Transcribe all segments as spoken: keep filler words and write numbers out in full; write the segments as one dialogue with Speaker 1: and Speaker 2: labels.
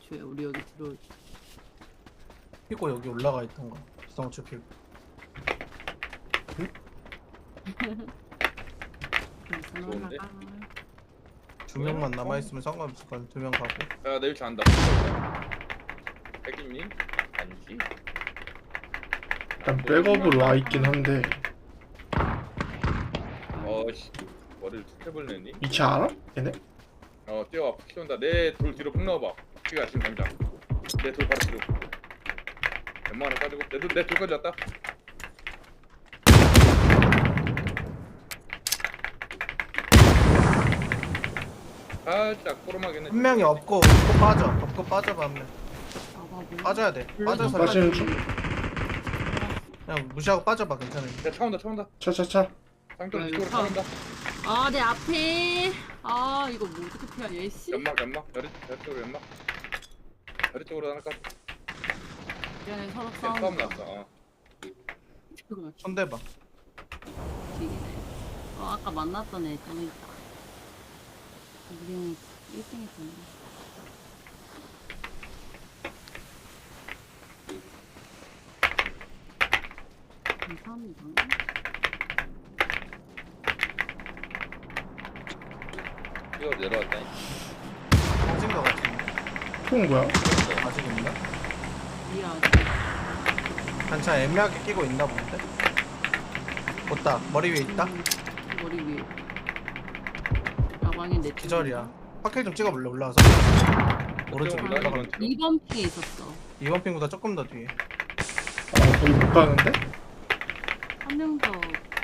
Speaker 1: 애초에 우리 여기 들어올 때.
Speaker 2: 피고 여기 올라가 있던 거. 비상호출 피고.
Speaker 3: 좋은데?
Speaker 2: 두 명만 남아 있으면 상관없을 거야. 두 명 가고.
Speaker 3: 야, 내 위치 안다. 백이니? 아니지.
Speaker 4: 일단 백업으로 와 있긴 한데
Speaker 3: 어씨, 머리를 툭 해버리니?
Speaker 4: 위치 알아? 얘네?
Speaker 3: 어, 뛰어와. 푹 키운다. 내 돌 뒤로 푹 넣어봐. 키가 지금 당장. 내 돌 바로 뒤로. 웬만하면 빠지고. 내 돌, 내 돌까지 왔다. 살짝 꼬름하겠네.
Speaker 2: 한 명이 없고 없고 빠져. 없고 빠져봐 한 명.
Speaker 1: 아, 뭐.
Speaker 2: 빠져야 돼. 빠져서
Speaker 4: 빠지는 중.
Speaker 2: 그냥 무시하고 빠져봐. 괜찮아.
Speaker 3: 야, 차 온다, 차 온다.
Speaker 4: 차차차.
Speaker 3: 쌍돌
Speaker 1: 네,
Speaker 3: 뒤쪽으로
Speaker 1: 차.
Speaker 3: 차 온다.
Speaker 1: 아, 내 앞에. 아, 이거 뭐 어떻게 피하냐, 얘씨.
Speaker 3: 연막, 연막. 여리, 여리 쪽으로 연막. 여리 쪽으로 하나까.
Speaker 1: 미안해, 서로
Speaker 3: 싸움
Speaker 1: 싸움.
Speaker 3: 났어. 어.
Speaker 2: 손대봐.
Speaker 1: 뒤지네. 어, 아까 만났던 애 좀 있다. 우리는 일 등 했잖아. 감사합니다.
Speaker 3: 뛰어 내려왔다니.
Speaker 2: 빠진 거 같은데.
Speaker 4: 총 뭐야?
Speaker 2: 아직 있나?
Speaker 1: 미안.
Speaker 2: 단차 애매하게 끼고 있나 본데? 못다. 머리 위에 있다?
Speaker 1: 음, 머리 위에. 야광이 내
Speaker 2: 기절이야. 파킬 좀 찍어볼래? 올라와서. 오른쪽에
Speaker 3: 올라가,
Speaker 2: 올라가.
Speaker 3: 이번
Speaker 1: 이 번 핑에 있었어.
Speaker 2: 이번 핑보다 조금 더 뒤에.
Speaker 4: 아 거기 못 가는데?
Speaker 1: 한 명 더.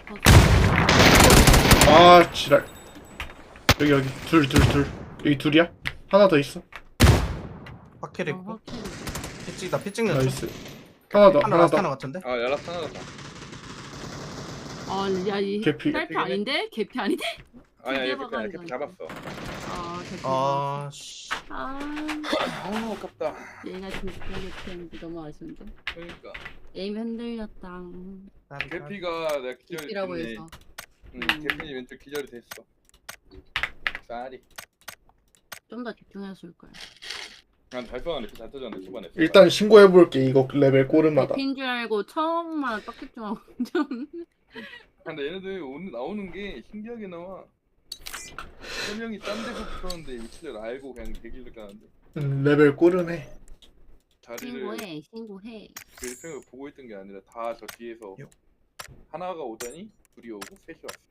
Speaker 4: 아 지랄. 여기 여기 둘 둘 둘. 여기 둘이야? 하나 더 있어.
Speaker 2: 파킬
Speaker 1: 어,
Speaker 2: 있고.
Speaker 1: 확실히.
Speaker 2: 피 찍다. 피 찍는 중.
Speaker 4: 나이스. 하나 더
Speaker 2: 하나
Speaker 4: 하나
Speaker 2: 라스트 하나
Speaker 4: 더.
Speaker 2: 같은데?
Speaker 3: 아, 야라스 하나 같다.
Speaker 1: 아, 야, 이
Speaker 4: 개피.
Speaker 1: 딸피 아닌데? 개피 아닌데?
Speaker 3: 아니야,
Speaker 1: 드디어
Speaker 3: 이렇게 그냥 이렇게
Speaker 1: 박았네.
Speaker 3: 잡았어.
Speaker 1: 아, 개피.
Speaker 2: 아, 씨.
Speaker 1: 아,
Speaker 3: 아, 아깝다.
Speaker 1: 얘가 진짜 개피했는데 너무 아쉬운데.
Speaker 3: 그러니까.
Speaker 1: 에임 흔들렸다.
Speaker 3: 개피가 내가 기절이
Speaker 1: 개피라고
Speaker 3: 됐네.
Speaker 1: 해서.
Speaker 3: 응,
Speaker 1: 음.
Speaker 3: 개피니 왼쪽 기절이 됐어. 쌀이.
Speaker 1: 좀 더 집중했을 거야.
Speaker 3: 난 달성한 이렇게 잘 터졌네 초반에.
Speaker 4: 일단 신고해볼게. 이거 레벨 꼬름하다.
Speaker 1: 개피인 줄 알고 처음만 빡집중하고 좀.
Speaker 3: 근데 얘네들 오늘 나오는 게 신기하게 나와. 세 명이 딴 데서 붙었는데 위치를 알고 그냥 대기를 가는데
Speaker 4: 음, 레벨 꼬름해.
Speaker 3: 자리를
Speaker 1: 신고해, 신고해.
Speaker 3: 그 일평을 보고 있던 게 아니라 다 저 뒤에서
Speaker 2: 요.
Speaker 3: 하나가 오더니 둘이 오고 셋이 왔어.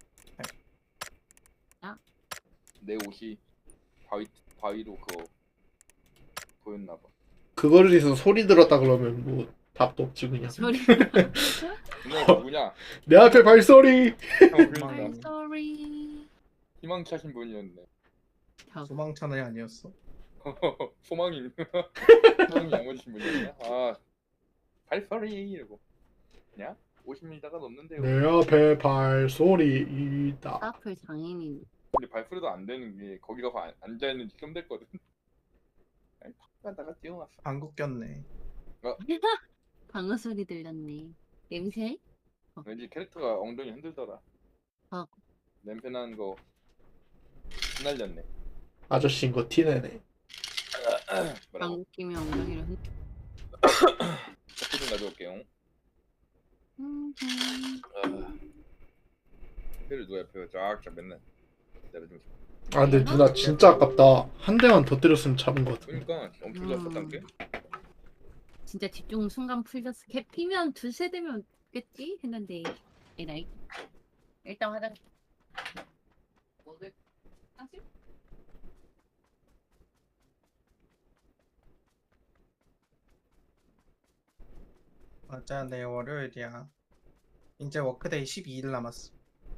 Speaker 1: 야.
Speaker 3: 내 옷이 바위 바위로 그거 보였나봐.
Speaker 4: 그거를 해서 소리 들었다 그러면 뭐 답도 없지 그냥.
Speaker 1: 소리.
Speaker 3: 누나 누구냐?
Speaker 4: 내 앞에 발소리.
Speaker 3: 형 그러니까
Speaker 1: I'm sorry.
Speaker 3: 희망차신 분이었네.
Speaker 2: 소망찬이 아니었어.
Speaker 3: 소망이 소망이 야무지신 분이었냐? 아 발소리 이러고 냐? 오십 미터가 넘는데요.
Speaker 4: 내 앞에 발소리 있다.
Speaker 1: 따플 장인인.
Speaker 3: 근데 발소리도 안 되는 게 거기 가서 안- 앉아있는지 좀 됐거든. 아니 탁 가다가 뛰어왔어.
Speaker 2: 방구 꼈네.
Speaker 1: 방어 소리 들렸네. 냄새?
Speaker 3: 왠지 캐릭터가 엉덩이 흔들더라.
Speaker 1: 아.
Speaker 3: 냄새 나는 거 흩날렸네.
Speaker 4: 아저씨인 거 티내네.
Speaker 3: 뭐라고?
Speaker 1: 방구 끼면 엉덩이를 흔.
Speaker 3: 커피 좀 가져올게요.
Speaker 1: 음,
Speaker 3: 회를 누가 옆에 쫙쫙 맨날 내려주면서.
Speaker 4: 아 근데 누나 진짜 아깝다. 한 대만 더 때렸으면 잡은 거 같은데.
Speaker 3: 그러니까 엄청 좋았었단 게.
Speaker 1: 진짜 집중 순간 풀렸어. 개 피면 두세 대면 없겠지 했는데 에라이. 일단 화장실. 먹을. 화장실?
Speaker 2: 맞아, 내일 월요일이야. 이제 워크데이 십이 일 남았어.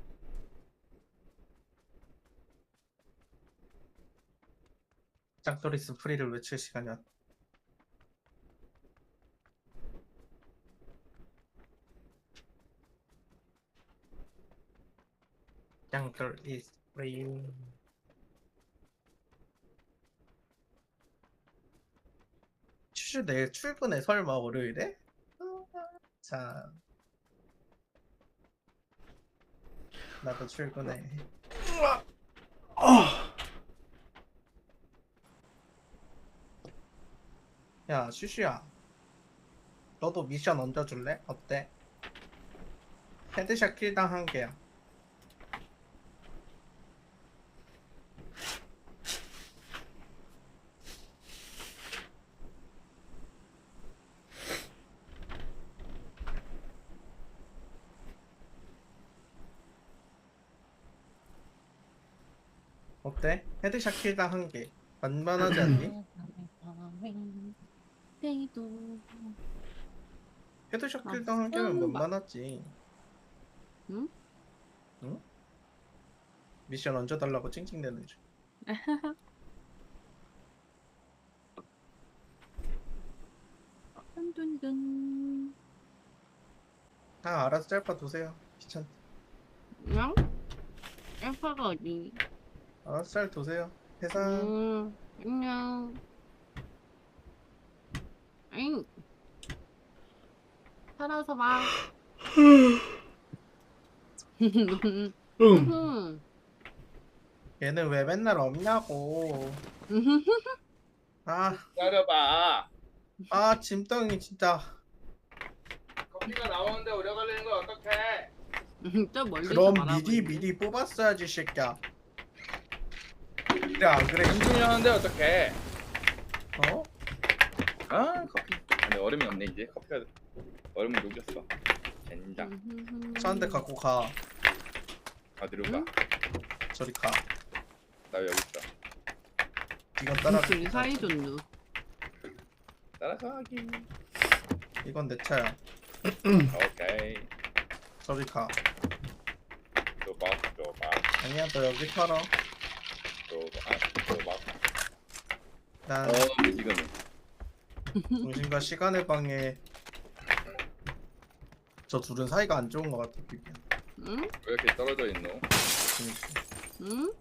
Speaker 2: 짱토리스 프리를 외칠 시간이 왔다. 짱토리스 프리. 슈슈 내일 출근해 설마 월요일에? 자, 나도 출근해.
Speaker 4: 아
Speaker 2: 야 슈슈야, 너도 미션 얹어줄래? 어때? 헤드샷 킬당 한 개야. 어때? 헤드샷 킬당 한 개. 만만하지 않니?
Speaker 1: 데이도.
Speaker 2: 헤드샷
Speaker 1: 아,
Speaker 2: 킬당 한 개면
Speaker 1: 음,
Speaker 2: 만만하지.
Speaker 1: 응?
Speaker 2: 응? 미션 얹어달라고 찡찡대는 중.
Speaker 1: 둔둔둔.
Speaker 2: 아 알아서 짤파 두세요. 귀찮.
Speaker 1: 응? 알파가 어디?
Speaker 2: 알아서 짤 두세요. 해상.
Speaker 1: 음, 안녕. 응. 살아서 봐.
Speaker 4: 응.
Speaker 1: 음.
Speaker 2: 얘는 왜 맨날 없냐고. 아,
Speaker 3: 기다려봐.
Speaker 2: 아 짐덩이 진짜.
Speaker 3: 커피가 나오는데 오래 걸리는 거 어떡해?
Speaker 1: 저 멀리서
Speaker 2: 그럼
Speaker 1: 바라보고
Speaker 2: 미리
Speaker 1: 있네.
Speaker 2: 미리 뽑았어야지 새끼야. 그래 안 그래?
Speaker 3: 인중이 하는데 어떡해?
Speaker 2: 어?
Speaker 3: 아 커피. 근데 얼음이 없네 이제. 커피가 얼음을 녹였어. 젠장.
Speaker 2: 차 한 대 갖고 가.
Speaker 3: 어디로
Speaker 1: 응?
Speaker 3: 가?
Speaker 2: 저리 가.
Speaker 3: 나 여기 있어.
Speaker 2: 이건 따라.
Speaker 1: 둘이 사이 좋누.
Speaker 3: 따라가기.
Speaker 2: 이건 내 차야.
Speaker 3: 오케이.
Speaker 2: 저리 가.
Speaker 3: 조박 조박
Speaker 2: 아니야 너 여기 털어.
Speaker 3: 조박 조박.
Speaker 2: 난
Speaker 3: 어 지금
Speaker 2: 정신과 시간의 방해. 저 둘은 사이가 안 좋은 것 같아. 비비안.
Speaker 1: 응?
Speaker 3: 왜 이렇게 떨어져 있노?
Speaker 2: 그러니까.
Speaker 1: 응?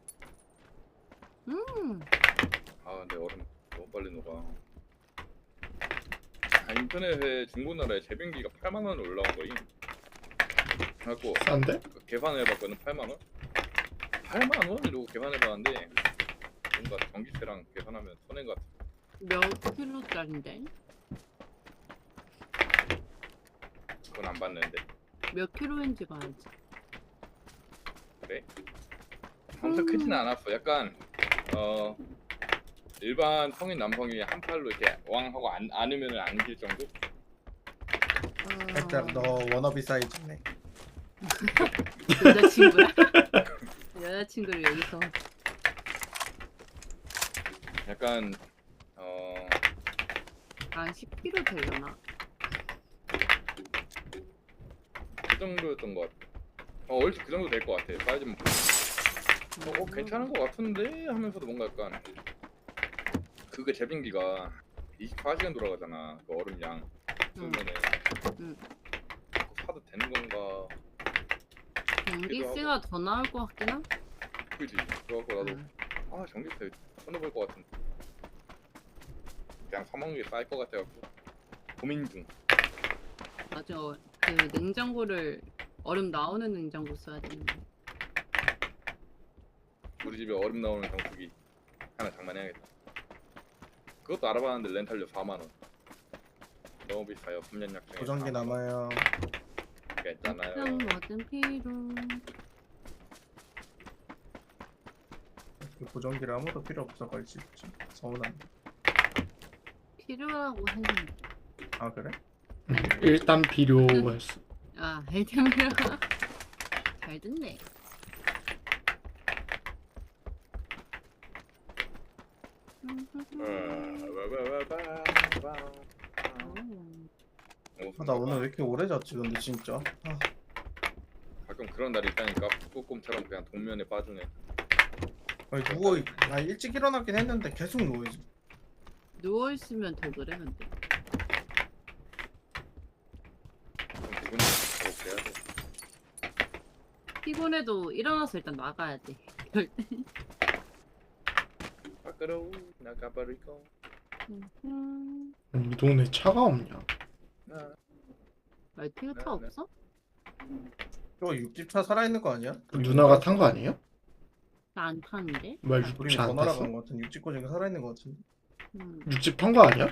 Speaker 1: 응.
Speaker 3: 아 근데 얼음 너무 빨리 녹아. 아, 인터넷에 중고나라에 제빙기가 팔만 원으로 올라온 거임. 그래갖고
Speaker 4: 싼데?
Speaker 3: 그 계산을 해봤거든. 팔만 원? 팔만 원? 이러고 계산해봤는데 뭔가 전기세랑 계산하면 손해인 것 같아.
Speaker 1: 몇 킬로짜린데?
Speaker 3: 그건 안 봤는데.
Speaker 1: 몇 킬로인지 봐야지.
Speaker 3: 그래? 엄청 크진 않았어. 약간 어 일반 성인 남성이 한 팔로 이렇게 왕 하고 안 안으면 안길 정도?
Speaker 2: 살짝 너 워너비 사이즈네.
Speaker 1: 여자친구야? 여자친구를 여기서.
Speaker 3: 약간 어
Speaker 1: 한 십 킬로 되려나?
Speaker 3: 그 정도였던 것 같아. 어 얼추 그 정도 될 것 같아. 사이즈는 어, 어 괜찮은 것 같은데 하면서도 뭔가 약간 그게 제빙기가 이십사 시간 돌아가잖아. 그 얼음 양
Speaker 1: 응.
Speaker 3: 쓰면은
Speaker 1: 응.
Speaker 3: 그거 사도 되는 건가?
Speaker 1: 전기세가 더 나올 것 같긴 하?
Speaker 3: 그지? 그래갖고 나도
Speaker 1: 응.
Speaker 3: 아 전기세 손해볼 것 같은데 그냥 사먹는 게 싸일 것 같아갖고 고민 중.
Speaker 1: 맞아. 그 냉장고를 얼음 나오는 냉장고 써야 되는데.
Speaker 3: 우리 집에 얼음 나오는 정수기 하나 장만해야겠다. 그것도 알아봤는데 렌탈료 사만 원. 너무 비싸요. 삼 년 약정에.
Speaker 2: 보정기 남아요.
Speaker 3: 괜찮아요.
Speaker 1: 그냥 뭐든 필요.
Speaker 2: 그 보정기를 아무도 필요 없어가지고 좀 서운한데.
Speaker 1: 필요하고 했는데.
Speaker 2: 아 그래?
Speaker 4: 응. 일단 필요했어.
Speaker 1: 아, 일단 필요. 잘 듣네.
Speaker 2: 아, 나 오늘 왜 이렇게 오래 잤지 근데 진짜. 아,
Speaker 3: 가끔 그런 날이 있다니까. 북극곰처럼 그냥 동면에 빠지네.
Speaker 2: 아니 누워 있. 아 일찍 일어나긴 했는데 계속 누워 있어.
Speaker 1: 누워 있으면 더 그래 근데.
Speaker 3: 좀 기분이 좋게 해야 돼.
Speaker 1: 피곤해도 일어나서 일단 나가야 돼. 이럴 때.
Speaker 3: 밖으로 나가버리고.
Speaker 1: 음.
Speaker 4: 이 동네 차가 없냐?
Speaker 3: 나
Speaker 1: 말티가
Speaker 3: 네,
Speaker 1: 차
Speaker 3: 네.
Speaker 1: 없어?
Speaker 2: 저 육집차 살아있는 거 아니야?
Speaker 4: 그 누나가 탄 거 아니에요?
Speaker 1: 나 안 타는데?
Speaker 4: 뭐
Speaker 2: 우리
Speaker 4: 육지 안
Speaker 2: 더
Speaker 4: 탔어?
Speaker 2: 날아간 거 같은 육집 고정이 살아있는 거 같은데.
Speaker 1: 음.
Speaker 4: 육지 판 거 아니야?